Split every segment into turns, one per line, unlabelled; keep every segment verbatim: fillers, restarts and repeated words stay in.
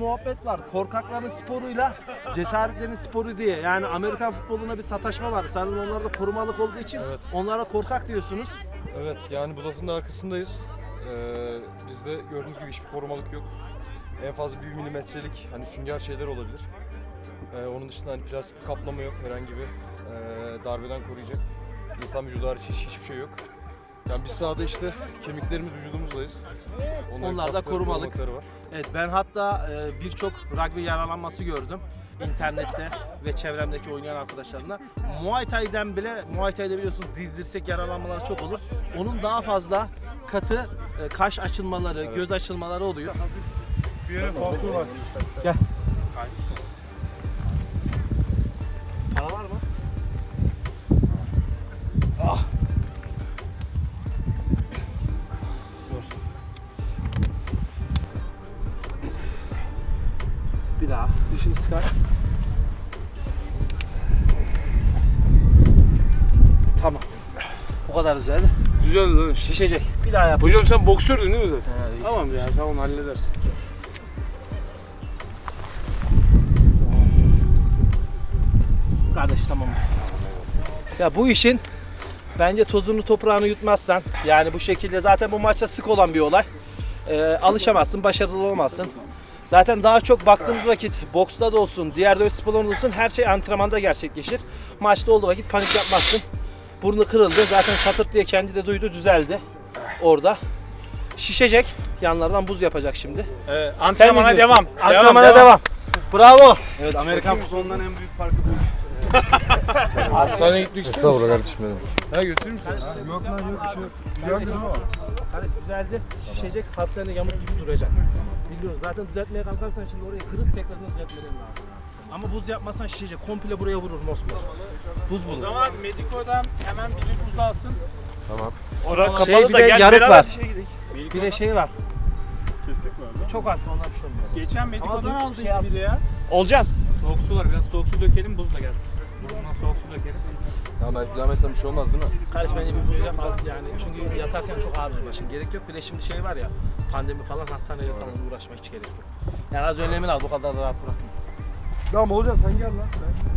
muhabbet var. Korkakların sporuyla cesaretlerin sporu diye. Yani Amerikan futboluna bir sataşma var. Sanırım onlar da korumalık olduğu için
Evet.
onlara korkak diyorsunuz.
Evet, yani bu lafın da arkasındayız. Ee, bizde gördüğünüz gibi hiçbir korumalık yok. En fazla bir milimetrelik hani sünger şeyler olabilir. Ee, onun dışında hani plastik bir kaplama yok, herhangi bir e, darbeden koruyacak. İnsan vücudu hariç hiç, hiçbir şey yok. Yani biz sahada işte kemiklerimiz vücudumuzdayız. Onların
Onlar da
kasları,
korumalık.
korumalıkları var.
Evet, ben hatta e, birçok rugby yaralanması gördüm internette ve çevremdeki oynayan arkadaşlarımla. Muay Thai'den bile, Muay Thai'de biliyorsunuz diz dirsek yaralanmaları çok olur. Onun daha fazla katı e, kaş açılmaları,
Evet.
göz açılmaları oluyor.
Bir yere falso var.
Gel. Para var mı? Ah. Dur. Bir daha dişini sıkar. Tamam. Bu kadar güzel.
Güzel değil mi?
Şişecek. Bir daha yap.
Hocam sen boksördün değil mi zaten?
Ha,
Tamam ya, tamam halledersin.
Kardeş tamam. Ya bu işin bence tozunu toprağını yutmazsan, yani bu şekilde zaten bu maçta sık olan bir olay. Ee, alışamazsın, başarılı olmazsın. Zaten daha çok baktığımız vakit boksta da olsun, diğer dövüş sporlarında olsun her şey antrenmanda gerçekleşir. Maçta olduğu vakit panik yapmazsın. Burnu kırıldı. Zaten çatırt diye kendi de duydu, düzeldi orada. Şişecek. Yanlardan buz yapacak şimdi.
Evet,
Sen
antrenmana
ne diyorsun?
devam.
Antrenmana
devam.
devam. Bravo.
Evet, Amerikan futbolundan en büyük farkı bu. Hastaneye gitmek ister
Estağfurullah
misin?
kardeşim benim.
Ha götürür müsün? Yok lan yok bir şey yok. Güzeldir ama.
Hani düzeldi, şişecek, hafiften yamuk gibi duracak. Biliyoruz zaten düzeltmeye kalkarsan şimdi orayı kırıp tekrardan düzeltmeden lazım. Ama buz yapmazsan şişecek, komple buraya vurur mosmor. Buz
O
bulur.
zaman Mediko'dan hemen biri buz alsın.
Tamam.
Orada
Şey bir de yarık var. Bir de şey var. Çok hafif, ondan bir şey olmaz.
Geçen
Ama
Mediko'dan
bir
aldık
şey yap-
bir de ya.
Olcan.
Soğuk su var, biraz soğuk su dökelim, buz da gelsin. Burnuna soğuk su dökelim.
Ya belki devam etsem bir şey olmaz değil mi?
Kardeş bence bir buz yapmaz yani çünkü yatarken çok ağrır başın. Gerek yok, bir de şimdi şey var ya, pandemi falan, hastaneyle falan uğraşmak hiç gerek yok. Yani az önlemini al, bu kadar da rahat bırakma.
Tamam Olcan sen gel lan.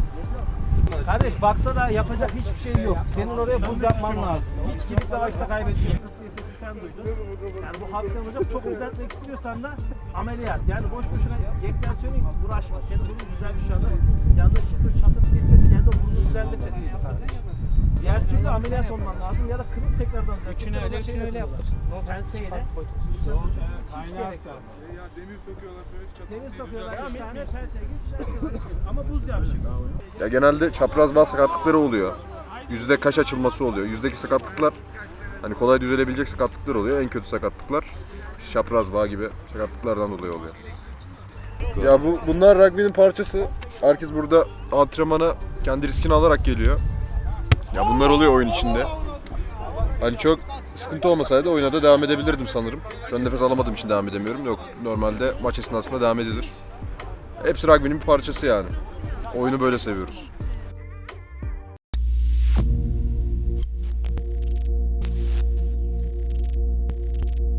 Kardeş baksa da yapacak hiçbir şey yok. Senin oraya buz yapman lazım. Hiç gidip de vakit kaybediyorsun. Diye sesi sen duydun. Yani bu hafiften hocam çok düzeltmek istiyorsan da ameliyat. Yani boş boşuna yekten söyleyeyim uğraşma. Senin burnun düzelmiş şu anda. Yanında çıtır çatır diye ses geldi. O burnun düzelme sesiydi kardeş. Diğer türlü ameliyat olman lazım ya da kırıp tekrardan düzelt.
Üçünü öyle, üçünü öyle yaptır.
Penseyle. Hiç gerek yok.
Ya demir sokuyorlar şöyle çatır.
Demir sokuyorlar. Üç tane penseyle git. Ama buz yap şimdi.
Ya genelde çapraz bağ sakatlıkları oluyor. Yüzde kaş açılması oluyor. Yüzdeki sakatlıklar hani kolay düzelebilecek sakatlıklar oluyor. En kötü sakatlıklar çapraz bağ gibi sakatlıklardan dolayı oluyor. Ya bu bunlar rugby'nin parçası. Herkes burada antrenmana kendi riskini alarak geliyor. Ya bunlar oluyor oyun içinde. Hani çok sıkıntı olmasaydı oyuna da devam edebilirdim sanırım. Şu an nefes alamadığım için devam edemiyorum. Yok, normalde maç esnasında devam edilir. Hepsi rugby'nin bir parçası yani. Oyunu böyle seviyoruz.